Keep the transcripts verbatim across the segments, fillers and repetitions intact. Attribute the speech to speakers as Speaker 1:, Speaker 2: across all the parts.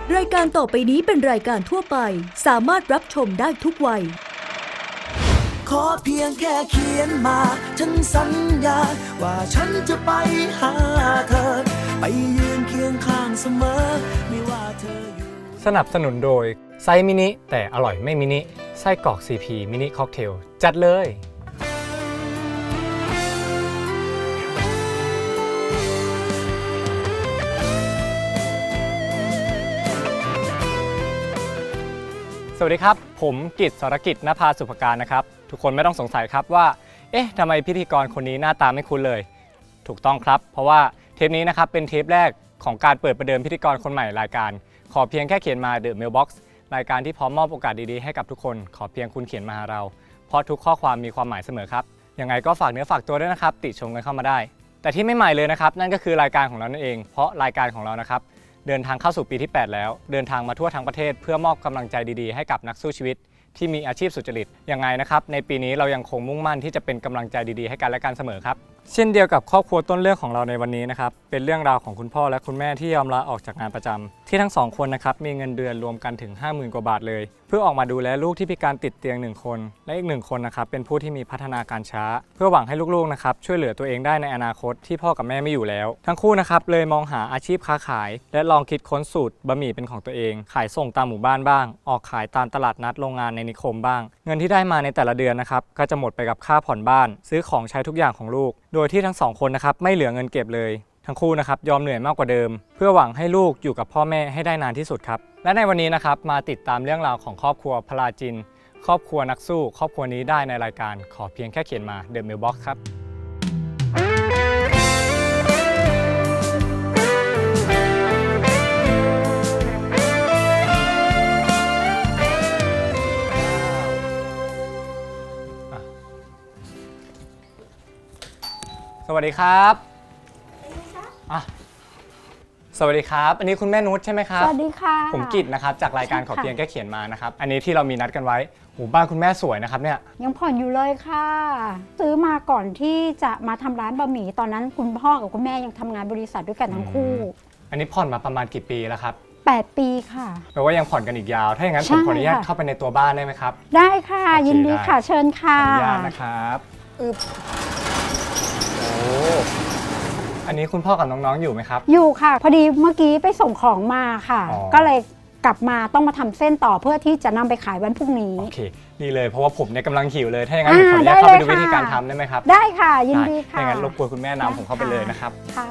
Speaker 1: รายการต่อไปนี้เป็นรายการทั่วไปสามารถรับชมได้ทุกวัย
Speaker 2: ขอเพียงแค่เขียนมาฉันสัญญาว่าฉันจะไปหาเธอไปยืนเคียงข้างเสมอไม่ว่าเธออยู่
Speaker 3: สนับสนุนโดยไซส์มินิแต่อร่อยไม่มินิไส้กรอก ซี พี มินิค็อกเทลจัดเลยสวัสดีครับผมกิต สรกิจ ณภาสุภการนะครับทุกคนไม่ต้องสงสัยครับว่าเอ๊ะทำไมพิธีกรคนนี้หน้าตาไม่คุ้นเลยถูกต้องครับเพราะว่าเทปนี้นะครับเป็นเทปแรกของการเปิดประเดิมพิธีกรคนใหม่รายการขอเพียงแค่เขียนมา The Mailbox รายการที่พร้อมมอบโอกาสดีๆให้กับทุกคนขอเพียงคุณเขียนมาหาเราเพราะทุกข้อความมีความหมายเสมอครับยังไงก็ฝากเนื้อฝากตัวด้วยนะครับติชมกันเข้ามาได้แต่ที่ไม่ใหม่เลยนะครับนั่นก็คือรายการของเรานั่นเองเพราะรายการของเรานะครับเดินทางเข้าสู่ปีที่แปดแล้วเดินทางมาทั่วทั้งประเทศเพื่อมอบกำลังใจดีๆให้กับนักสู้ชีวิตที่มีอาชีพสุจริตยังไงนะครับในปีนี้เรายังคงมุ่งมั่นที่จะเป็นกำลังใจดีๆให้กันและกันเสมอครับเช่นเดียวกับครอบครัวต้นเรื่องของเราในวันนี้นะครับเป็นเรื่องราวของคุณพ่อและคุณแม่ที่ยอมลาออกจากงานประจำที่ทั้งสองคนนะครับมีเงินเดือนรวมกันถึง ห้าหมื่น กว่าบาทเลยเพื่อออกมาดูแลลูกที่พิการติดเตียงหนึ่งคนและอีกหนึ่งคนนะครับเป็นผู้ที่มีพัฒนาการช้าเพื่อหวังให้ลูกๆนะครับช่วยเหลือตัวเองได้ในอนาคตที่พ่อกับแม่ไม่อยู่แล้วทั้งคู่นะครับเลยมองหาอาชีพค้าขายและลองคิดค้นสูตรบะหมี่เป็นของตัวเองขายส่งตามหมู่บ้านบ้างออกขายตามตลาดนัดโรงงานในนิคมบ้างเงินที่ได้มาในแต่ละเดือนนะครับก็จะหมดไปกับค่าผ่อนบ้านซื้อของใช้ทุกอย่างของลูกโดยที่ทั้งสองคนนะครับไม่เหลือเงินเก็บเลยทั้งคู่นะครับยอมเหนื่อยมากกว่าเดิมเพื่อหวังให้ลูกอยู่กับพ่อแม่ให้ได้นานที่สุดครับและในวันนี้นะครับมาติดตามเรื่องราวของครอบครัวพลาจินครอบครัวนักสู้ครอบครัวนี้ได้ในรายการขอเพียงแค่เขียนมา The Mailbox ครับสวัสดีครับอ่ะสวัสดีครับอันนี้คุณแม่นุชใช่ไหมครับ
Speaker 4: สวัสดีค่ะ
Speaker 3: ผมกิตนะครับจากรายการขอเพียงแค่เขียนมานะครับอันนี้ที่เรามีนัดกันไว้โหบ้านคุณแม่สวยนะครับเนี่ย
Speaker 4: ยังผ่อนอยู่เลยค่ะซื้อมาก่อนที่จะมาทำร้านบะหมี่ตอนนั้นคุณพ่อกับคุณแม่ยังทำงานบริษัทด้วยกันทั้งคู่
Speaker 3: อันนี้ผ่อนมาประมาณกี่ปีแล้วครับ
Speaker 4: แปดปีค่ะ
Speaker 3: แปลว่ายังผ่อนกันอีกยาวถ้าอย่างนั้นผมขออนุญาตเข้าไปในตัวบ้านได้ไหมครับ
Speaker 4: ได้ค่ะยินดีค่ะเชิญค่ะ
Speaker 3: ขออนุญาตนะครับอึบโอ้อันนี้คุณพ่อกับน้องๆอยู่ไหมครับ
Speaker 4: อยู่ค่ะพอดีเมื่อกี้ไปส่งของมาค่ะก็เลยกลับมาต้องมาทำเส้นต่อเพื่อที่จะนำไปขายวันพรุ่งนี้
Speaker 3: โอเคดีเลยเพราะว่าผมเนี่ยกำลังหิวเลยถ้าอย่างนั้นผมขออนุญาตเข้าไปดูวิธีการทำได้ไหมครับ
Speaker 4: ได้ค่ะยินดีค่ะ
Speaker 3: ถ้าอย่างนั้นรบกวนคุณแม่นำผมเข้าไปเลยนะครับ
Speaker 4: ค่ะ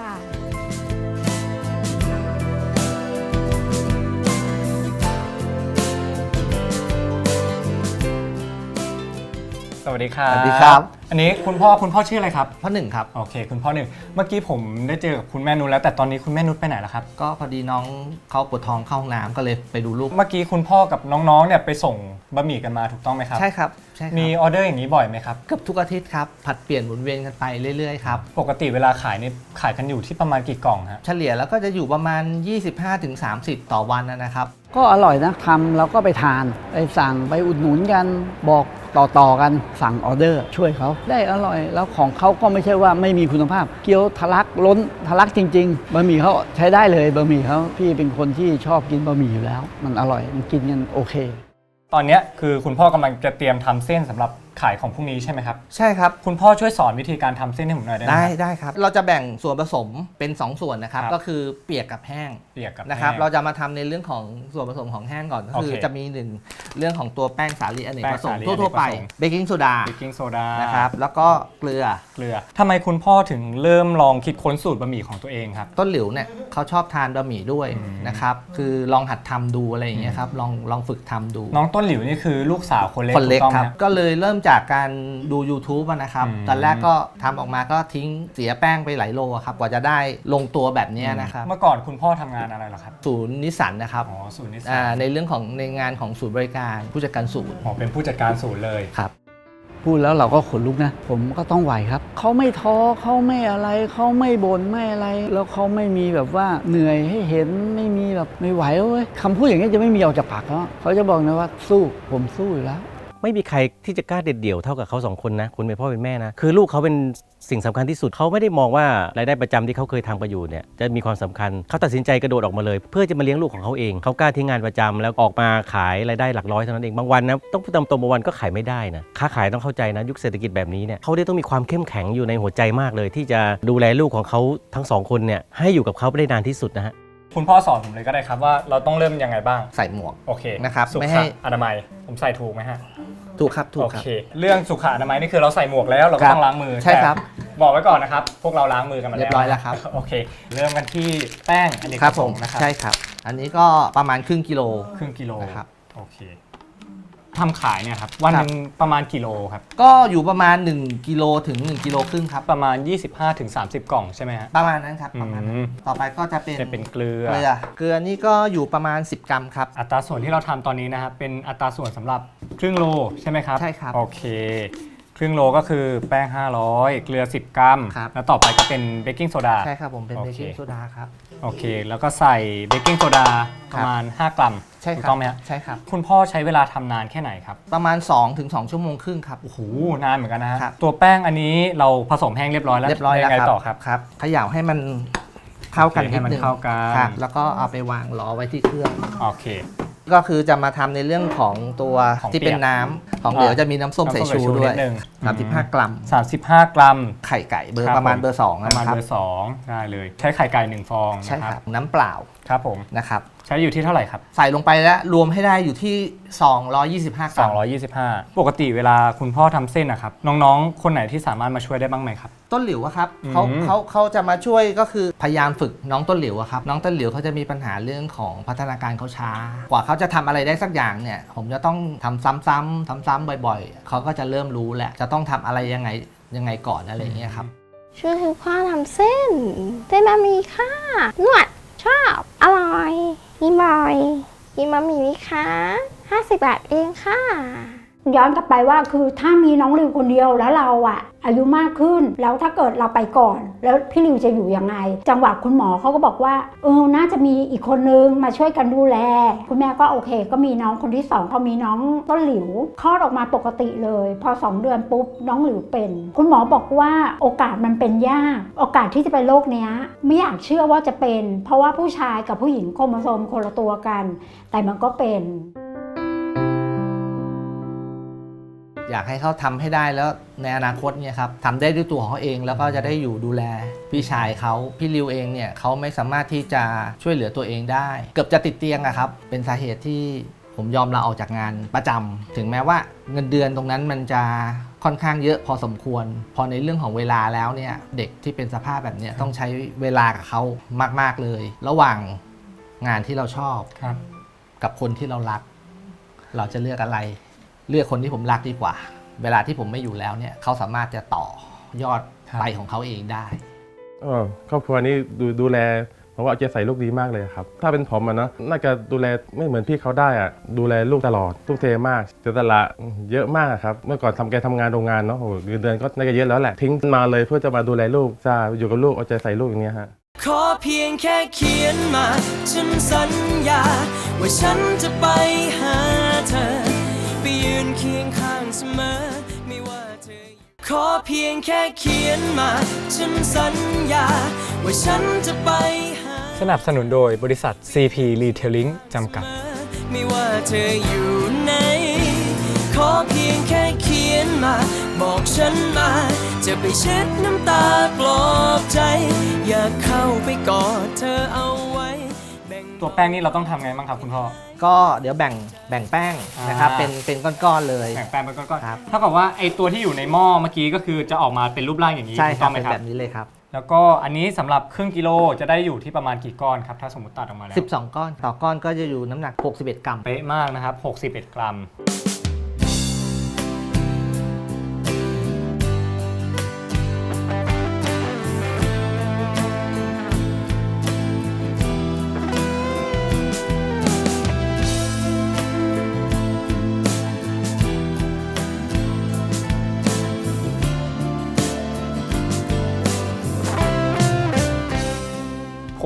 Speaker 3: สวัสดีครับ
Speaker 5: สวัสดีครับ
Speaker 3: อันนี้คุณพ่อคุณพ่อชื่ออะไรครับ
Speaker 5: พ่อหนึ่งครับ
Speaker 3: โอเคคุณพ่อหนึ่งเมื่อกี้ผมได้เจอกับคุณแม่นุชแล้วแต่ตอนนี้คุณแม่นุชไปไหนแล้วครับ
Speaker 5: ก็พอดีน้องเขาปวดท้องเข้าห้องน้ำก็เลยไปดูลูก
Speaker 3: เมื่อกี้คุณพ่อกับน้องๆเนี่ยไปส่งบะหมี่กันมาถูกต้องไหมครับ
Speaker 5: ใช่ครับใช่ครับ
Speaker 3: มีออเดอร์อย่างนี้บ่อยไหมครับ
Speaker 5: เกือบทุกอาทิตย์ครับผัดเปลี่ยนหมุนเวียนกันไปเรื่อยๆครับ
Speaker 3: ปกติเวลาขายนี่ขายกันอยู่ที่ประมาณกี่กล่องฮะ
Speaker 5: เฉลี่ยแล้วก็จะอยู่ประมาณ ยี่สิบห้าถึงสามสิบ ต่อวันนะครับ
Speaker 6: ก็อร่อยนะทำแล้วก็ไปทานไปสั่งไปอุดหนุนกันบอกต่อๆกันสั่งออเดอร์ช่วยเขาได้อร่อยแล้วของเขาก็ไม่ใช่ว่าไม่มีคุณภาพเกี๊ยวทะลักล้นทะลักจริงๆบะหมี่เขาใช้ได้เลยบะหมี่เขาพี่เป็นคนที่ชอบกินบะหมี่อยู่แล้วมันอร่อยมันกินกันโอเค
Speaker 3: ตอนนี้คือคุณพ่อกำลังจะเตรียมทำเส้นสำหรับขายของพรุ่งนี้ใช่ไหมครับ
Speaker 5: ใช่ครับ
Speaker 3: คุณพ่อช่วยสอนวิธีการทำเส้นให้ผมหน่อยได้ไหม
Speaker 5: ได้ได้ครับเราจะแบ่งส่วนผสมเป็นสองส่วนนะครับก็คือเปียกกับแห้ง
Speaker 3: เปียกกับ
Speaker 5: นะครับเราจะมาทำในเรื่องของส่วนผสมของแห้งก่อนก็คือจะมีหนึ่งเรื่องของตัวแป้งสาลีอเนกประสงค์ทั่วๆไปเบกกิ้งโซดา
Speaker 3: เบกกิ้งโซดา
Speaker 5: นะครับแล้วก็เกลือ
Speaker 3: เกลือทำไมคุณพ่อถึงเริ่มลองคิดค้นสูตรบะหมี่ของตัวเองครับ
Speaker 5: ต้นหลิวเนี่ยเขาชอบทานบะหมี่ด้วยนะครับคือลองหัดทำดูอะไรอย่างเงี้ยครับลองลองฝึกทำดู
Speaker 3: น้องต้นหลิวนี่คือลูกสาวคนเล็ก
Speaker 5: คนเล็กครับก็เลยเริ่มจากการดู ยูทูบ นะครับตอนแรกก็ทำออกมาก็ทิ้งเสียแป้งไปหลายโลครับกว่าจะได้ลงตัวแบบนี้นะครับ
Speaker 3: เมื่อก่อนคุณพ่อทำงานอะไรล่ะครับ
Speaker 5: ศูนย์นิสสันนะครับ
Speaker 3: อ๋อศูนย์นิสสั
Speaker 5: นในเรื่องของในงานของศูนย์บริการผู้จัดการศูนย์
Speaker 3: อ๋อเป็นผู้จัดการศูนย์เลย
Speaker 5: ครับ
Speaker 6: พูดแล้วเราก็ขนลุกนะผมก็ต้องไหวครับเขาไม่ท้อเขาไม่อะไรเขาไม่บ่นไม่อะไรแล้วเขาไม่มีแบบว่าเหนื่อยให้เห็นไม่มีแบบไม่ไหวเว้ยคำพูดอย่างนี้จะไม่มีออกจากปากเขาเขาจะบอกนะว่าสู้ผมสู้อยู่แล้ว
Speaker 7: ไม่มีใครที่จะกล้าเด็ดเดี่ยวเท่ากับเขาสองคนนะคุณเป็นพ่อเป็นแม่นะคือลูกเขาเป็นสิ่งสำคัญที่สุดเขาไม่ได้มองว่ารายได้ประจำที่เขาเคยทำกันอยู่เนี่ยจะมีความสำคัญเขาตัดสินใจกระโดดออกมาเลยเพื่อจะมาเลี้ยงลูกของเขาเองเขากล้าทิ้งงานประจำแล้วออกมาขายรายได้หลักร้อยเท่านั้นเองบางวันนะต้องพูดตามตรงบางวันก็ขายไม่ได้นะค้าขายต้องเข้าใจนะยุคเศรษฐกิจแบบนี้เนี่ยเขาได้ต้องมีความเข้มแข็งอยู่ในหัวใจมากเลยที่จะดูแลลูกของเขาทั้งสองคนเนี่ยให้อยู่กับเขาได้นานที่สุดนะฮะ
Speaker 3: คุณพ่อสอนผมเลยก็ได้ครับว่าเราต้องเริ่มยังไงบ้าง
Speaker 5: ใส่หมวก
Speaker 3: โอเค
Speaker 5: นะครับ
Speaker 3: สุ
Speaker 5: ไม่
Speaker 3: ข
Speaker 5: ให้
Speaker 3: อนามัยผมใส่ถูกไหมฮะ
Speaker 5: ถูกครับถูก
Speaker 3: โอ
Speaker 5: ครับ
Speaker 3: เคเรื่องสุขอนามัยนี่คือเราใส่หมวกแล้วเราก็ต้องล้างมือ
Speaker 5: ใช่ครับ
Speaker 3: บอกไว้ก่อนนะครับพวกเราล้างมือกันมาแล้ว
Speaker 5: เรียบร้อยแล้วครับ
Speaker 3: โอเคเริ่มกันที่แป้งอเนก
Speaker 5: ครับ
Speaker 3: ประ
Speaker 5: ผ
Speaker 3: ส
Speaker 5: ม
Speaker 3: งค์นะครับ
Speaker 5: ใช่ครับอันนี้ก็ประมาณครึ่งกิโล
Speaker 3: ครึ่งกิโล
Speaker 5: นะครับ
Speaker 3: โอเคทำขายเนี่ยครับวันหนึงประมาณกิโลครับ
Speaker 5: ก็อยู่ประมาณหนึ่งกิโลถึงหนึ่งกิโลครึ่งครับ
Speaker 3: ประมาณ ยี่สิบห้าถึงสามสิบ กล่องใช่ไหมฮะ
Speaker 5: ประมาณนั้นครับประมาณนั้น
Speaker 3: อืม
Speaker 5: ต่อไปก็จะเป็น
Speaker 3: จะเป็นเกลือ
Speaker 5: เกลือเกลือนี่ก็อยู่ประมาณสิบกรัมครับ
Speaker 3: อัตราส่วนที่เราทำตอนนี้นะครับเป็นอัตราส่วนสำหรับครึ่งโลใช่ไหมครับ
Speaker 5: ใช่ครับ
Speaker 3: โอเคครึ่งโลก็คือแป้งห้าร้อยเกลือสิบกรัม
Speaker 5: ครับ
Speaker 3: แล้วต่อไปก็เป็นเบกกิ้งโซดา
Speaker 5: ใช่ครับผมเป็น
Speaker 3: โอ
Speaker 5: เบ
Speaker 3: เค
Speaker 5: กกิ้งโซดาครับ
Speaker 3: โอเคแล้วก็ใส่เบกกิ้งโซดา
Speaker 5: ค
Speaker 3: ป
Speaker 5: รับ
Speaker 3: ระมาณห้ากรัม
Speaker 5: ใช่
Speaker 3: ถู
Speaker 5: ค
Speaker 3: ก
Speaker 5: รับ
Speaker 3: ต้องไหมฮะ
Speaker 5: ใช่ครับ
Speaker 3: คุณพ่อใช้เวลาทำนานแค่ไหนครับ
Speaker 5: ประมาณสองถึงสองชั่วโมงครึ่งครับ
Speaker 3: โอ้โหนานเหมือนกันนะฮะ
Speaker 5: ครับ
Speaker 3: ตัวแป้งอันนี้เราผสมแห้งเรียบร้อยแล้ว
Speaker 5: เรียบร้อยแล้ว
Speaker 3: งไง
Speaker 5: ครับ
Speaker 3: ต่อครับ
Speaker 5: ครับเขย่าให้มันเข้ากัน
Speaker 3: โอเค
Speaker 5: นิ
Speaker 3: ให้
Speaker 5: ด
Speaker 3: มัน
Speaker 5: นึง
Speaker 3: เข้ากัน
Speaker 5: ครับแล้วก็เอาไปวางรอไว้ที่เครื่อง
Speaker 3: โอเค
Speaker 5: ก็คือจะมาทำในเรื่องของตัว
Speaker 3: ของ
Speaker 5: ที่เป็น
Speaker 3: เปียก
Speaker 5: น้ำของเหลว
Speaker 3: อ่า
Speaker 5: จะมีน้ำส้ม
Speaker 3: น้ำส้
Speaker 5: สาย
Speaker 3: ม
Speaker 5: ชู
Speaker 3: สายชู
Speaker 5: ด้วย
Speaker 3: นิดนึง
Speaker 5: สามสิบห้ากรัม
Speaker 3: สามสิบห้ากรัม
Speaker 5: ไข่ไก่เบอ
Speaker 3: ครั
Speaker 5: ร์
Speaker 3: บ
Speaker 5: ประมาณ
Speaker 3: ผม
Speaker 5: เบอร์สอง
Speaker 3: ประมาณ
Speaker 5: นะครับ
Speaker 3: เบอร์สองได้เลยใช้ไข่ไก่หนึ่งฟอง
Speaker 5: ใช่
Speaker 3: นะค
Speaker 5: ค
Speaker 3: รั
Speaker 5: รั
Speaker 3: บบ
Speaker 5: น้ำเปล่า
Speaker 3: ครับผม
Speaker 5: นะครับ
Speaker 3: ใช้อยู่ที่เท่าไหร่ครับ
Speaker 5: ใส่ลงไปแล้วรวมให้ได้อยู่ที่ สองร้อยยี่สิบห้ากรัม
Speaker 3: สองร้อยยี่สิบห้า ปกติเวลาคุณพ่อทำเส้นนะครับน้องๆ คนไหนที่สามารถมาช่วยได้บ้างไหมครับ
Speaker 5: ต้นหลิวอะครับ
Speaker 3: อืม
Speaker 5: เขาเขาเขาจะมาช่วยก็คือพยายามฝึกน้องต้นหลิวอะครับน้องต้นหลิวเขาจะมีปัญหาเรื่องของพัฒนาการเขาช้ากว่าเขาจะทำอะไรได้สักอย่างเนี่ยผมจะต้องทำซ้ำๆซ้ำๆบ่อยๆเขาก็จะเริ่มรู้แหละจะต้องทำอะไรยังไงยังไงก่อนอะไรอย่างเงี้ยครับ
Speaker 8: ช่วยคุณพ่อทำเส้นเส้นบะหมี่ค่ะนวดชอบอร่อยกินบ่อยกินบะหมี่ไหมคะห้าสิบบาทเองค่ะ
Speaker 4: ย้อนกลับไปว่าคือถ้ามีน้องริวคนเดียวแล้วเราอะอายุมากขึ้นแล้วถ้าเกิดเราไปก่อน แล้วพี่ริวจะอยู่ยังไง จังหวะคุณหมอเขาก็บอกว่าเออน่าจะมีอีกคนนึงมาช่วยกันดูแล คุณแม่ก็โอเค ก็มีน้องคนที่สองพอมีน้องต้นหลิวคลอดออกมาปกติเลย พอสองเดือนปุ๊บน้องหลิวเป็น คุณหมอบอกว่าโอกาสมันเป็นยากโอกาสที่จะเป็นโรคเนี้ยไม่อยากเชื่อว่าจะเป็น เพราะว่าผู้ชายกับผู้หญิงโครโมโซมคนละตัวกัน แต่มันก็เป็น
Speaker 5: อยากให้เขาทำให้ได้แล้วในอนาคตเนี่ยครับทำได้ด้วยตัวของเขาเองแล้วก็จะได้อยู่ดูแลพี่ชายเขาพี่ริวเองเนี่ยเขาไม่สามารถที่จะช่วยเหลือตัวเองได้ เกือบจะติดเตียงอะครับเป็นสาเหตุที่ผมยอมลาออกจากงานประจำถึงแม้ว่าเงินเดือนตรงนั้นมันจะค่อนข้างเยอะพอสมควร พอในเรื่องของเวลาแล้วเนี่ยเด็กที่เป็นสภาพแบบเนี้ยต้องใช้เวลากับเขามากๆเลย ระหว่างงานที่เราชอบ
Speaker 3: ครับ
Speaker 5: กับคนที่เรารัก เราจะเลือกอะไร เลือกคนที่ผมรักดีกว่า เวลาที่ผมไม่อยู่แล้วเนี่ยเขาสามารถจะต่อยอด
Speaker 3: ครับ
Speaker 5: ไปของเขาเองได้
Speaker 9: เออครอบครัวนี้ดูดูแลผมว่าเอาใจใส่ลูกดีมากเลยครับถ้าเป็นผมอะเนาะน่าจะดูแลไม่เหมือนพี่เขาได้อะดูแลลูกตลอดทุ่มเทมากเสียสละเยอะมากครับเมื่อก่อนทำแกทำงานโรงงานเนาะโอ้โหเงินเดือนก็น่าจะเยอะแล้วแหละทิ้งมาเลยเพื่อจะมาดูแลลูกจะอยู่กับลูกเอาใจใส่ลูกอย่างเนี้ยฮะ
Speaker 2: ขอเพียงแค่เขียนมา ฉันสัญญา ว่าฉันจะไปหาเธอ ไปยืนเคียงข้างเสมอไม่ว่าเธอขอเพียงแค่เขียนมา ฉันสัญญา ว่าฉันจะไปหา
Speaker 3: สนับสนุนโดยบริษัท ซี พี Retailing จำกัด
Speaker 2: ไม่ว่าเธออยู่ไหนขอเพียงแค่เขียนมา บอกฉันมา จะไปเช็ดน้ำตาปลอบใจ อยากเข้าไปกอดเธอเอาไว้แบ่ง
Speaker 3: ตัวแป้งนี่เราต้องทำไงบ้างครับคุณพ่อ
Speaker 5: ก็เดี๋ยวแบ่งแบ่งแป้งนะครับ
Speaker 3: อ่า
Speaker 5: เป็นเป็นก้อนๆเลย
Speaker 3: แบ่งแป้งเป็นก้อน
Speaker 5: ครับ
Speaker 3: ๆเท่ากับว่าไอตัวที่อยู่ในหม้อเมื่อกี้ก็คือจะออกมาเป็นรูปร่างอย่างนี้
Speaker 5: ใช่
Speaker 3: ถูก
Speaker 5: ค
Speaker 3: ต้
Speaker 5: รั
Speaker 3: อบ งไหม
Speaker 5: เป็น
Speaker 3: ครั
Speaker 5: แบบ บนี้เลยครับ
Speaker 3: แล้วก็อันนี้สำหรับครึ่งกิโลจะได้อยู่ที่ประมาณกี่ก้อนครับถ้าสมมติตัดออกมาแล้ว
Speaker 5: สิบสอง ก้อนต่อก้อนก็จะอยู่น้ำหนักหกสิบเอ็ดกรัม
Speaker 3: เป๊ะมากนะครับหกสิบเอ็ดกรัม ผมคุ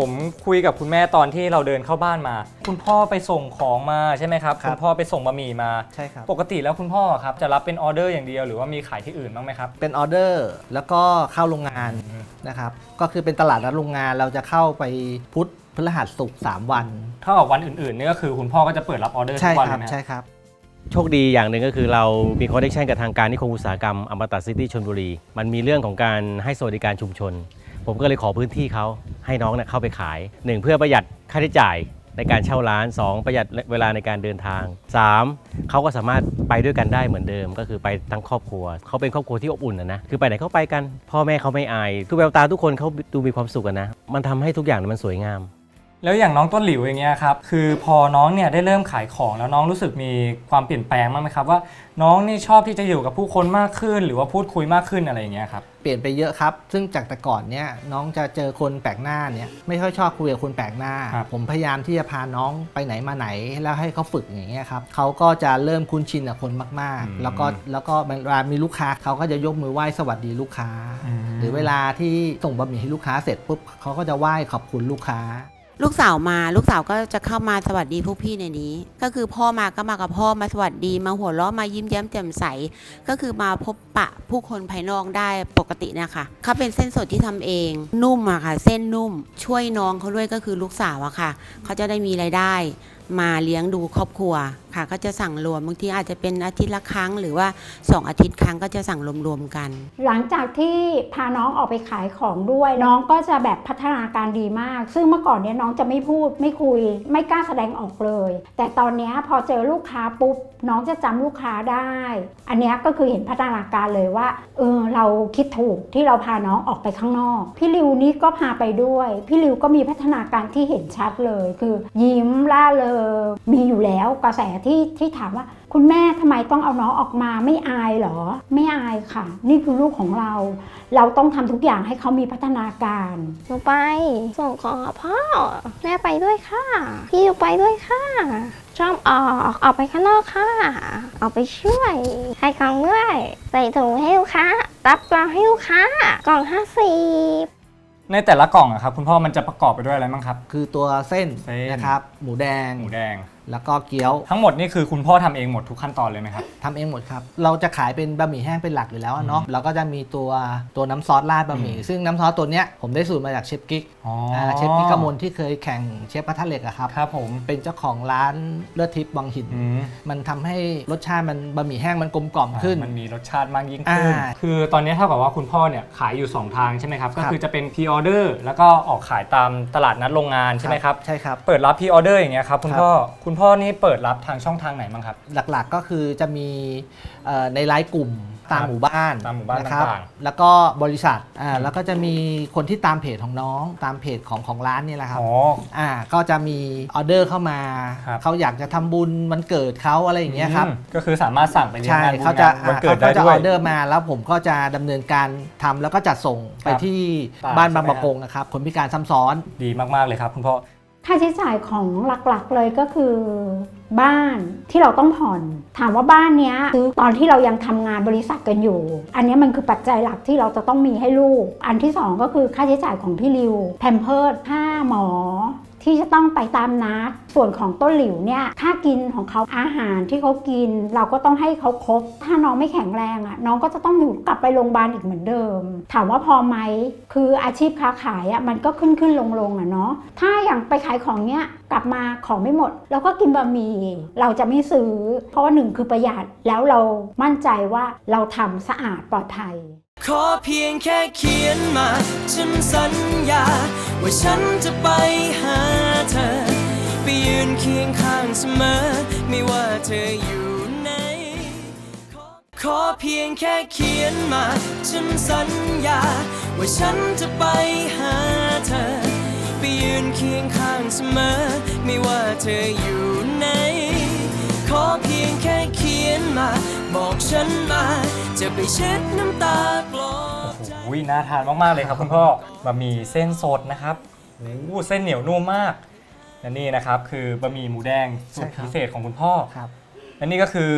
Speaker 3: คุยกับคุณแม่ตอนที่เราเดินเข้าบ้านมา คุณพ่อไปส่งของมาใช่ไหมครับ
Speaker 5: ครับ
Speaker 3: คุณพ่อไปส่งบะหมี่มา
Speaker 5: ใช่ครับ
Speaker 3: ปกติแล้วคุณพ่อครับจะรับเป็นออเดอร์อย่างเดียวหรือว่ามีขายที่อื่นบ้างไหมครับ
Speaker 5: เป็นออเดอร์แล้วก็เข้าโรงงานนะครับก็คือเป็นตลาดนัดโรงงานเราจะเข้าไปพุธพฤหัสศุกร์สามวัน
Speaker 3: เท่ากับวันอื่นๆนี่ก็คือคุณพ่อก็จะเปิดรับออเดอร์ทุ
Speaker 5: ใช่
Speaker 3: กวัน
Speaker 5: ค
Speaker 3: เล
Speaker 5: รั
Speaker 3: ยไหม
Speaker 5: ใช่ครับ
Speaker 7: โชคดีอย่างหนึ่งก็คือเรามีคอนเนคชันกับทางการนิคมอุตสาหกรรมอมตะซิตี้ชลบุรี มันมีเรื่องของการให้สวัสดิการชุมชน ผมก็เลยขอพื้นที่เขาให้น้องเนี่ยเข้าไปขายหนึ่งเพื่อประหยัดค่าใช้จ่ายในการเช่าร้านสองประหยัดเวลาในการเดินทางสามเขาก็สามารถไปด้วยกันได้เหมือนเดิม ก็คือไปทั้งครอบครัวเขาเป็นครอบครัวที่อบอุ่นนะนะคือไปไหนเขาไปกัน พ่อแม่เขาไม่อายคือแววตาทุกคนเขาดูมีความสุขกันนะมันทำให้ทุกอย่างมันสวยงาม
Speaker 3: แล้วอย่างน้องต้นหลิวอย่างเงี้ยครับคือพอน้องเนี่ยได้เริ่มขายของแล้วน้องรู้สึกมีความเปลี่ยนแปลงบ้างไหมครับว่าน้องนี่ชอบที่จะอยู่กับผู้คนมากขึ้นหรือว่าพูดคุยมากขึ้นอะไรอย่างเงี้ยครับ
Speaker 5: เปลี่ยนไปเยอะครับ ซึ่งจากแต่ก่อนเนี่ยน้องจะเจอคนแปลกหน้าเนี่ยไม่ค่อยชอบคุยกับคนแปลกหน้า
Speaker 3: ครับ
Speaker 5: ผมพยายามที่จะพาน้องไปไหนมาไหนแล้วให้เขาฝึกอย่างเงี้ยครับเขาก็จะเริ่มคุ้นชินกับคนมากๆ แล้วก็แล้วก็เวลามีลูกค้าเขาก็จะยกมือไหว้สวัสดีลูกค้า หรือเวลาที่ส่งบะหมี่ให้ลูกค้าเสร็จปุ๊บเขาก็จะไหว้ขอบคุณลูกค้า
Speaker 10: ลูกสาวมาลูกสาวก็จะเข้ามาสวัสดีพวกพี่ในนี้ ก็คือพ่อมาก็มากับพ่อมาสวัสดีมาหัวเราะมายิ้มแย้มแจ่มใสก็คือมาพบปะผู้คนภายนอกได้ปกตินะคะเขาเป็นเส้นสดที่ทำเองนุ่มอะค่ะเส้นนุ่มช่วยน้องเขาด้วยก็คือลูกสาวอะค่ะเขาจะได้มีรายได้มาเลี้ยงดูครอบครัวค่ะก็จะสั่งรวมบางทีอาจจะเป็นอาทิตย์ละครั้งหรือว่าสองอาทิตย์ครั้งก็จะสั่งรวมๆกัน
Speaker 4: หลังจากที่พาน้องออกไปขายของด้วยน้องก็จะแบบพัฒนาการดีมากซึ่งเมื่อก่อนเนี้ยน้องจะไม่พูดไม่คุยไม่กล้าแสดงออกเลยแต่ตอนนี้พอเจอลูกค้าปุ๊บน้องจะจำลูกค้าได้อันนี้ก็คือเห็นพัฒนาการเลยว่าเออเราคิดถูกที่เราพาน้องออกไปข้างนอกพี่ริวนี่ก็พาไปด้วยพี่ริวก็มีพัฒนาการที่เห็นชัดเลยคือยิ้มล่าเริงมีอยู่แล้วกระแสที่ที่ถามว่าคุณแม่ทำไมต้องเอาน้องออกมาไม่อายเหรอไม่อายค่ะนี่คือลูกของเราเราต้องทำทุกอย่างให้เขามีพัฒนาการ
Speaker 8: หนูไปส่งของกับพ่อแม่ไปด้วยค่ะพี่อยู่ไปด้วยค่ะชอบออกออกไปข้างนอกค่ะออกไปช่วยให้ของด้วยใส่ถุงให้ลูกค้ารับกล่องให้ลูกค้ากล่องห้าสิบ
Speaker 3: ในแต่ละกล่องอะครับคุณพ่อมันจะประกอบไปด้วยอะไรบ้างครับ
Speaker 5: คือตัวเส้น
Speaker 3: เส้น
Speaker 5: นะครับหมูแดง
Speaker 3: หมูแดง
Speaker 5: แล้วก็เกี๊ยว
Speaker 3: ทั้งหมดนี่คือคุณพ่อทำเองหมดทุกขั้นตอนเลยไหมครับ
Speaker 5: ทำเองหมดครับเราจะขายเป็นบะหมี่แห้งเป็นหลักอยู่แล้วเนาะเราก็จะมีตัวตัวน้ำซอสราดบะหมี่ซึ่งน้ำซอสตัวเนี้ยผมได้สูตรมาจากเชฟกิ๊กเชฟกิ๊กกมลที่เคยแข่งเชฟกระทะเหล็กอะครับ
Speaker 3: ครับผม
Speaker 5: เป็นเจ้าของร้านเลือดทิพย์วังหินมันทำให้รสชาติมันบะหมี่แห้งมันกลมกล่อมขึ้น
Speaker 3: มันมีรสชาติมากยิ่งขึ้นคือตอนนี้เท่ากับว่าคุณพ่อเนี่ยขายอยู่สองทางใช่ไหมครับก็คือจะเป็นพรีออเดอร์แล้วก็ออกขายตามตลาดนัดโรงงานใช่ไหมครับ
Speaker 5: ใช่ครับ
Speaker 3: เปิดรับพรีออเดอร์อย่างเงี้ยครับคุณพ่อคุณพ่อนี่เปิดรับทางช่องทางไหนบ้างครับ
Speaker 5: หลักๆก็คือจะมีในไลน์กลุ่มตามหมู่บ้าน
Speaker 3: ตามหมู่บ้าน
Speaker 5: นะครับแล้วก็บริษัทอ่าแล้วก็จะมีคนที่ตามเพจของน้องตามเพจของของร้านนี่แหละครับ
Speaker 3: อ๋อ
Speaker 5: อ่าก็จะมีออเดอร์เข้ามาเขาอยากจะทำบุญวันเกิดเขาอะไรอย่างเงี้ยครับ
Speaker 3: ก็คือสามารถสั่งไปเลี้ยงงาน
Speaker 5: เขาจะ
Speaker 3: วันเกิดได้ด้วย
Speaker 5: เขาจะออเดอร์มาแล้วผมก็จะดำเนินการทำแล้วก็จัดส่งไปที่บ้านบางประกงนะครับคนพิการซ้ำซ้อน
Speaker 3: ดีมากๆเลยครับคุณพ่อ
Speaker 4: ค่าใช้จ่ายของหลักๆเลยก็คือบ้านที่เราต้องผ่อนถามว่าบ้านเนี้ยซื้อตอนที่เรายังทำงานบริษัทกันอยู่อันนี้มันคือปัจจัยหลักที่เราจะต้องมีให้ลูกอันที่สองก็คือค่าใช้จ่ายของพี่ริวแพมเพิร์สค่าหมอที่จะต้องไปตามนัดส่วนของต้นหลิวเนี่ยค่ากินของเขาอาหารที่เขากินเราก็ต้องให้เขาครบถ้าน้องไม่แข็งแรงอ่ะน้องก็จะต้องอยู่กลับไปโรงพยาบาลอีกเหมือนเดิมถามว่าพอไหมคืออาชีพค้าขายอ่ะมันก็ขึ้นขึ้นลงลงอ่ะเนาะถ้าอย่างไปขายของเนี้ยกลับมาของไม่หมดแล้วก็กินบะหมี่เราจะไม่ซื้อเพราะว่าหนึ่งคือประหยัดแล้วเรามั่นใจว่าเราทำสะอาดปลอดภัย
Speaker 2: ขอเพียงแค่เขียนมาฉันสัญญาว่าฉันจะไปหาเธอไปยืนเคียงข้างเสมอไม่ว่าเธออยู่ไหนขอเพียงแค่เขียนมาฉันสัญญาว่าฉันจะไปหาเธอไปยืนเคียงข้างเสมอไม่ว่าเธออยู่ไหนขอเพียงแค่เขียนมาบอกฉันมาจะไปเช็ดน้ำตาปลอบใจ
Speaker 3: โอ้โหน่าทานมากๆเลยครับคุณพ่อบะหมี่เส้นสดนะครับโอ้โหเส้นเหนียวนุ่มมากและนี่นะครับคือบะหมี่หมูแดงสูตรพิเศษของคุณพ่อและนี่ก็คือ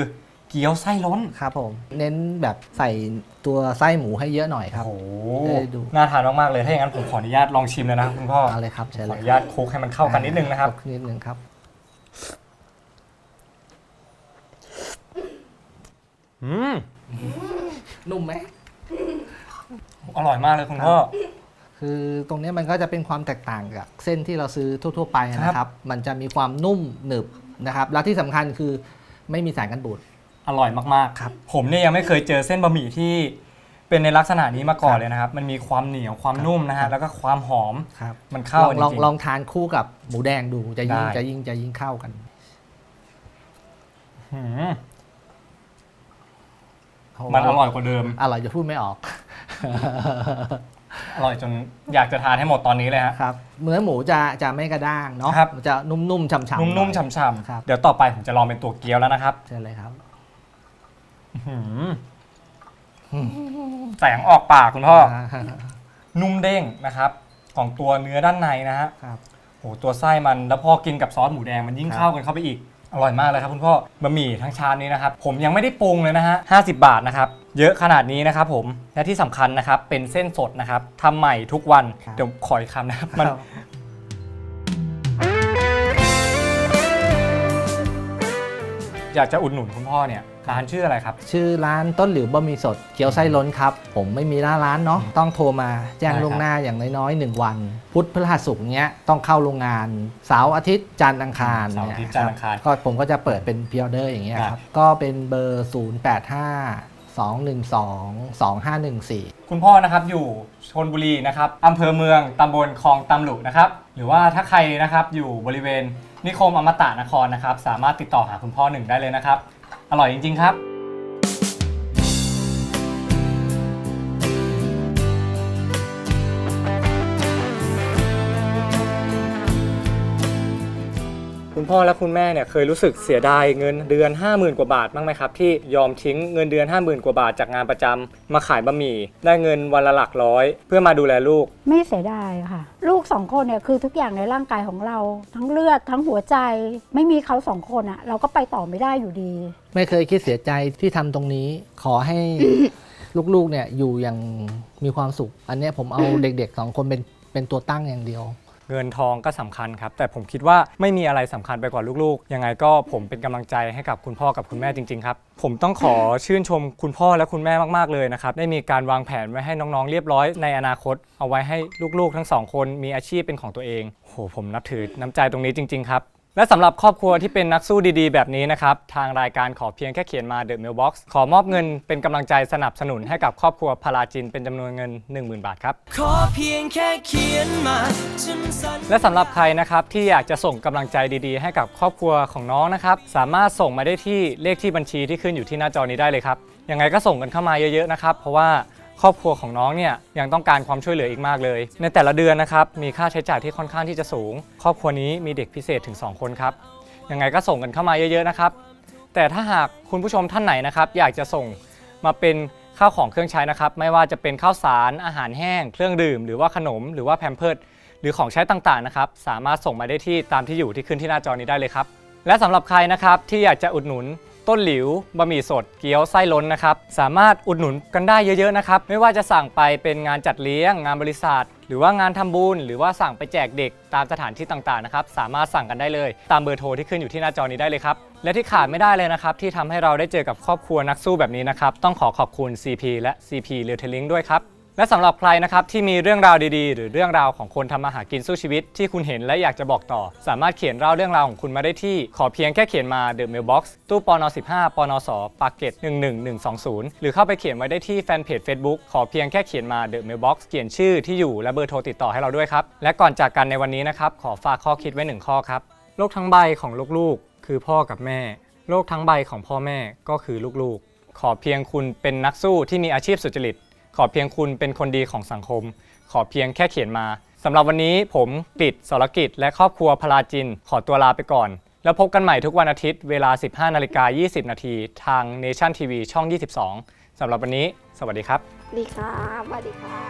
Speaker 3: เกี๊ยวไส้ล้น
Speaker 5: ครับผมเน้นแบบใส่ตัวไส้หมูให้เยอะหน่อยครับ
Speaker 3: โอ้โห
Speaker 5: ได้ดู
Speaker 3: น่าทานมากๆเลยถ้าอย่างนั้นผมขออนุญาตลองชิมเลยนะครับคุณพ่อ
Speaker 5: เอาเลยครับเชิญ
Speaker 3: ข
Speaker 5: เล
Speaker 3: อย อนุญาตคลุกให้มันเข้ากันนิดนึงนะครับ
Speaker 5: คลุกนิดนึงครับ
Speaker 3: อืม
Speaker 5: นุ่มไหม
Speaker 3: อร่อยมากเลยคุณพ่อ
Speaker 5: คือตรงนี้มันก็จะเป็นความแตกต่างกับเส้นที่เราซื้อทั่วๆไปนะครับ มันจะมีความนุ่มหนึบนะครับ แล้วที่สำคัญคือไม่มีสารกันบูด
Speaker 3: อร่อยมากๆ
Speaker 5: ครับ
Speaker 3: ผมเนี่ยยังไม่เคยเจอเส้นบะหมี่ที่เป็นในลักษณะนี้มาก่อนเลยนะครับ มันมีความเหนียวความนุ่มนะฮะ แล้วก็ความหอม
Speaker 5: ครับ
Speaker 3: มันเข้า
Speaker 5: ลอง
Speaker 3: จริงๆ
Speaker 5: ลองทานคู่กับหมูแดงดูจะยิ่ง
Speaker 3: ได้
Speaker 5: จะยิ่งจะยิ่งเข้ากัน
Speaker 3: หืมมันอร่อยกว่าเดิม
Speaker 5: อร่อยจะพูดไม่ออก
Speaker 3: อร่อยจนอยากจะทานให้หมดตอนนี้เลยฮะ
Speaker 5: ครับเนื้อหมูจะจะไม่กระด้างเนาะ
Speaker 3: ครับ
Speaker 5: มันจะนุ่มๆฉ่ำๆ
Speaker 3: นุ่มๆ
Speaker 5: หอย
Speaker 3: ฉ่ำ
Speaker 5: ครับ
Speaker 3: ๆ เดี๋ยวต่อไปผมจะลองเป็นตัวเกี๊ยวแล้วนะครับ
Speaker 5: เชิญเลยครับ
Speaker 3: หืมแสงออกปากคุณพ่อ นุ่มเด้งนะครับ ของตัวเนื้อด้านในนะฮะ
Speaker 5: ครับ
Speaker 3: โหตัวไส้มันแล้วพอกินกับซอสหมูแดงมันยิ่ง
Speaker 5: ครับ
Speaker 3: เข้ากันเข้าไปอีก อร่อยมากเลยครับคุณพ่อบะหมี่ทั้งชามนี้นะครับผมยังไม่ได้ปรุงเลยนะฮะห้าสิบบาทนะครับเยอะขนาดนี้นะครับผมและที่สำคัญนะครับเป็นเส้นสดนะครับทำใหม่ทุกวัน
Speaker 5: ครับ
Speaker 3: เดี๋ยวขออีกคำนะครับมัน อยากจะอุดหนุนคุณพ่อเนี่ยร้านชื่ออะไรครับ
Speaker 5: ชื่อร้านต้นหลิวบะหมี่สดเกี๊ยวไส้ล้นครับ ผมไม่มีหน้าร้านเนาะต้องโทรมาแจ้ง
Speaker 3: ได้ครับ
Speaker 5: ล่วงหน้าอย่างน้อยๆหนึ่งวัน พุธพฤหัสศุกร์เนี้ยต้องเข้าโรงงานเสาร์อาทิตย์จันทร์อังคาร
Speaker 3: เสาร์อาทิตย์
Speaker 5: เย
Speaker 3: จันทร์อังคาร
Speaker 5: ก็ผมก็จะเปิดเป็นพิออเดอร์อย่างเงี้ย
Speaker 3: ค
Speaker 5: ค
Speaker 3: รั
Speaker 5: รับ บก็เป็นเบอร์ ศูนย์ แปด ห้า สอง หนึ่ง สอง สอง ห้า หนึ่ง สี่
Speaker 3: คุณพ่อนะครับอยู่ชลบุรีนะครับอำเภอเมืองตำบลคลองตำลุนะครับหรือว่าถ้าใครนะครับอยู่บริเวณนิคมอมตะนครนะครับสามารถติดต่อหาคุณพ่อหนึ่งได้เลยนะครับอร่อยจริงๆครับคุณพ่อและคุณแม่เนี่ยเคยรู้สึกเสียดายเงินเดือน ห้าหมื่น กว่าบาทบ้างไหมครับที่ยอมทิ้งเงินเดือน ห้าหมื่น กว่าบาทจากงานประจำมาขายบะหมี่ได้เงินวันละหลักร้อยเพื่อมาดูแลลูก
Speaker 4: ไม่เสียดายค่ะ ลูกสองคนเนี่ยคือทุกอย่างในร่างกายของเรา ทั้งเลือดทั้งหัวใจ ไม่มีเขาสองคนอะเราก็ไปต่อไม่ได้อยู่ดี
Speaker 5: ไม่เคยคิดเสียใจที่ทำตรงนี้ขอให้ ลูกๆเนี่ยอยู่อย่างมีความสุข อันเนี้ยผมเอาเด็กๆสองคนเป็นเป็นตัวตั้งอย่างเดียว
Speaker 3: เงินทองก็สำคัญครับแต่ผมคิดว่าไม่มีอะไรสำคัญไปกว่าลูกๆยังไงก็ผมเป็นกำลังใจให้กับคุณพ่อกับคุณแม่จริงๆครับผมต้องขอชื่นชมคุณพ่อและคุณแม่มากๆเลยนะครับได้มีการวางแผนไว้ให้น้องๆเรียบร้อยในอนาคตเอาไว้ให้ลูกๆทั้งสองคนมีอาชีพเป็นของตัวเองโหผมนับถือน้ำใจตรงนี้จริงๆครับและสำหรับครอบครัวที่เป็นนักสู้ดีๆแบบนี้นะครับทางรายการขอเพียงแค่เขียนมา The Mailbox ขอมอบเงินเป็นกำลังใจสนับสนุนให้กับครอบครัวพลาจินเป็นจำนวนเงิน หนึ่งหมื่น บาทครับ
Speaker 2: ขอเพียงแค่เขียนมาฉันสัญญา
Speaker 3: และสำหรับใครนะครับที่อยากจะส่งกำลังใจดีๆ ให้กับครอบครัวของน้องนะครับสามารถส่งมาได้ที่เลขที่บัญชีที่ขึ้นอยู่ที่หน้าจอนี้ได้เลยครับยังไงก็ส่งกันเข้ามาเยอะๆนะครับเพราะว่าครอบครัวของน้องเนี่ยยังต้องการความช่วยเหลืออีกมากเลยในแต่ละเดือนนะครับมีค่าใช้จ่ายที่ค่อนข้างที่จะสูง ครอบครัวนี้มีเด็กพิเศษถึงสองคนครับยังไงก็ส่งกันเข้ามาเยอะๆนะครับแต่ถ้าหากคุณผู้ชมท่านไหนนะครับอยากจะส่งมาเป็นข้าวของเครื่องใช้นะครับไม่ว่าจะเป็นข้าวสารอาหารแห้งเครื่องดื่มหรือว่าขนมหรือว่าแพมเพิร์สหรือของใช้ต่างๆนะครับสามารถส่งมาได้ที่ตามที่อยู่ที่ขึ้นที่หน้าจอนี้ได้เลยครับและสำหรับใครนะครับที่อยากจะอุดหนุนต้นหลิวบะหมี่สดเกี๊ยวไส้ล้นนะครับสามารถอุดหนุนกันได้เยอะๆนะครับไม่ว่าจะสั่งไปเป็นงานจัดเลี้ยงงานบริษัทหรือว่างานทำบุญหรือว่าสั่งไปแจกเด็กตามสถานที่ต่างๆนะครับสามารถสั่งกันได้เลยตามเบอร์โทรที่ขึ้นอยู่ที่หน้าจอนี้ได้เลยครับและที่ขาดไม่ได้เลยนะครับที่ทำให้เราได้เจอกับครอบครัวนักสู้แบบนี้นะครับต้องขอขอบคุณ ซี พี และ ซี พี Retailing ด้วยครับและสำหรับใครนะครับที่มีเรื่องราวดีๆหรือเรื่องราวของคนทำมาหากินสู้ชีวิตที่คุณเห็นและอยากจะบอกต่อสามารถเขียนเล่าเรื่องราวของคุณมาได้ที่ขอเพียงแค่เขียนมา The Mailbox ตู้ปนสิบห้าปนสปากเกร็ดหนึ่งหนึ่งหนึ่งสองศูนย์หรือเข้าไปเขียนไว้ได้ที่แฟนเพจ Facebook ขอเพียงแค่เขียนมา The Mailbox เขียนชื่อที่อยู่และเบอร์โทรติดต่อให้เราด้วยครับและก่อนจากกันในวันนี้นะครับขอฝากข้อคิดไว้หนึ่งข้อครับโลกทั้งใบของลูกๆคือพ่อกับแม่โลกทั้งใบของพ่อแม่ก็คือลูกๆขอเพียงคุณเป็นนักสู้ที่มีอาชีพสุจริตขอเพียงคุณเป็นคนดีของสังคมขอเพียงแค่เขียนมาสำหรับวันนี้ผมกฤษ สรกิจและครอบครัวพลาจินขอตัวลาไปก่อนแล้วพบกันใหม่ทุกวันอาทิตย์เวลา สิบห้านาฬิกายี่สิบนาทีทาง Nation ที วี ช่อง ยี่สิบสองสำหรับวันนี้สวัสดีครับ
Speaker 8: ดีครับสวัสดีครับ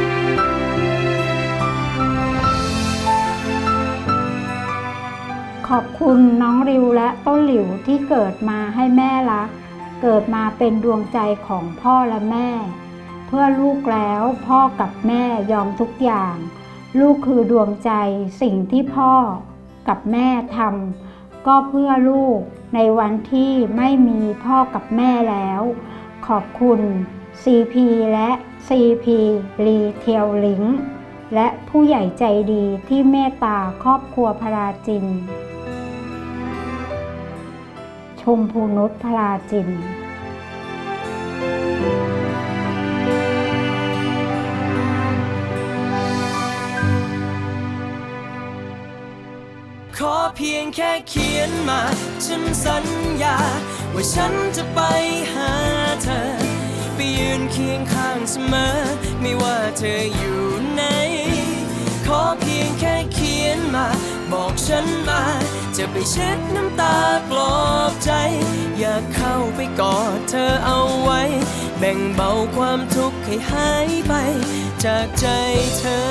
Speaker 1: ข
Speaker 4: ขอบคุณน้องริวและต้นหลิวที่เกิดมาให้แม่รัก เกิดมาเป็นดวงใจของพ่อและแม่ เพื่อลูกแล้วพ่อกับแม่ยอมทุกอย่าง ลูกคือดวงใจสิ่งที่พ่อกับแม่ทำก็เพื่อลูกในวันที่ไม่มีพ่อกับแม่แล้ว ขอบคุณ ซี พี และ ซี พี Retailing และผู้ใหญ่ใจดีที่เมตตาครอบครัวพราจิน ชมพูนุชพราจิน
Speaker 2: ขอเพียงแค่เขียนมาฉันสัญญาว่าฉันจะไปหาเธอไปยืนเคียงข้างเสมอไม่ว่าเธออยู่ไหนขอเพียงแค่เขียนมาบอกฉันมาจะไปเช็ดน้ำตาปลอบใจอยากเข้าไปกอดเธอเอาไว้แบ่งเบาความทุกข์ให้หายไปจากใจเธอ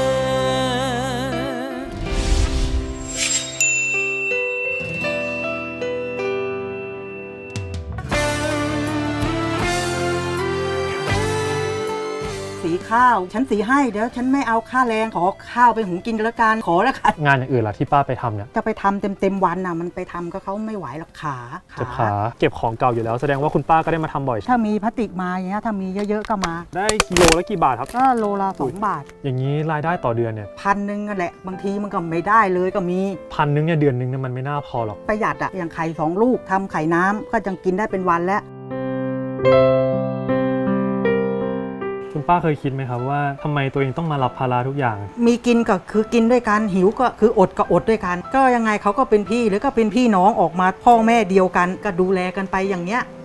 Speaker 11: สีข้าวฉันสีให้เดี๋ยวฉันไม่เอาค่าแรงขอข้าวไปหุงกินแล้วกันขอแล้วกัน
Speaker 3: งานอย่างอื่นล่ะที่ป้าไปทำเนี่ย
Speaker 11: จะไปทำเต็มเต็มๆวันน่ะมันไปทำก็เขาไม่ไหวหรอกขา
Speaker 3: เจ็บขาเก็บของเก่าอยู่แล้วแสดงว่าคุณป้าก็ได้มาทำบ่อย
Speaker 11: ถ้ามีพลาสติกมาอย่างเงี้ยถ้ามีเยอะๆก็มา
Speaker 3: ได้กิโลละกี่บาทครับ
Speaker 11: ก็โลละสองบาท
Speaker 3: อย่างนี้รายได้ต่อเดือนเนี่ย
Speaker 11: พันหนึ่งนั่นแหละบางทีมันก็ไม่ได้เลยก็มี
Speaker 3: พันนึงเนี่ยเดือนนึงเนี่ยมันไม่น่าพอหรอก
Speaker 11: ประหยัดอะอย่างไข่สองลูกทำไข่น้ำก็ยังกินได้เป็นวันแล้ว
Speaker 3: คุณป้าเคยคิดไหมครับว่าทำไมตัวเองต้องมารับภาระทุกอย่าง
Speaker 11: มีกินก็คือกินด้วยกันหิวก็คืออดก็อดด้วยกัน ก็ยังไงเขาก็เป็นพี่หรือก็เป็นพี่น้องออกมาพ่อแม่เดียวกันก็ดูแลกันไปอย่างเงี้ย